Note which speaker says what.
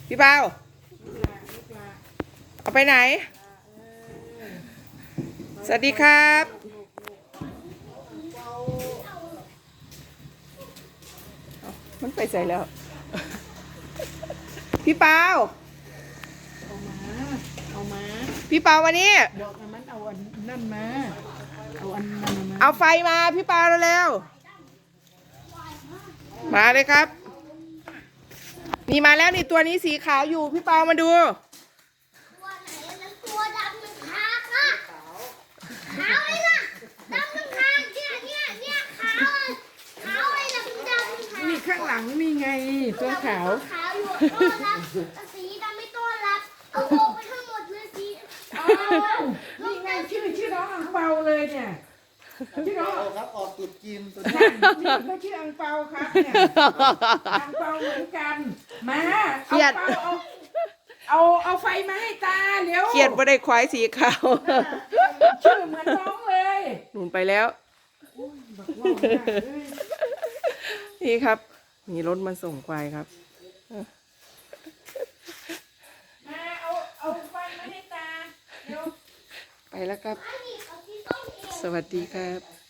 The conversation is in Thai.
Speaker 1: พี่เปาเอาไปไหนสวัสดีครับมันไปใส่แล้วพี่เปา
Speaker 2: เอามา
Speaker 1: พี่เปาวันนี้
Speaker 2: บอกมันเอาอันนั่นมาเอาอันนั้นมา
Speaker 1: เอาไฟมาพี่เปาเร็วๆมาเลยครับนี่มาแล้วนี่ตัวนี้สีขาวอยู่พี่เปามาดู
Speaker 3: ตัวไหนแล้วตัวดำมันคาค่ะขาวเลยนะดำมันคาเนี่ยขาวเลยดำค่ะ
Speaker 2: นี่ข้างหลังนี่ไงตัวขาว
Speaker 3: ขาวอยู่ต้อนรับสีดำไม่ต้อนรับเอาโบไปทั้งหมดเลยสี
Speaker 2: นี่ไงชื่อน้องอังเปาเลยเนี่ยชื่อน้อง
Speaker 4: ครับออกตุดจีนตัวนี้
Speaker 2: นี่ก็ชื่ออังเปาครับเนี่ยอังเปาเหมือนกันมาเอาไฟมาให้ตาเร็ว
Speaker 1: เขียดไม่ได้ควายสีขาว
Speaker 2: ชื่อเหมือนน้องเลย
Speaker 1: หนุนไปแล้วนี่ครับมีรถมาส่งควายครับ
Speaker 2: มาเอาไฟมาให้ตาเร็ว
Speaker 1: ไปแล้วครับสวัสดีครับ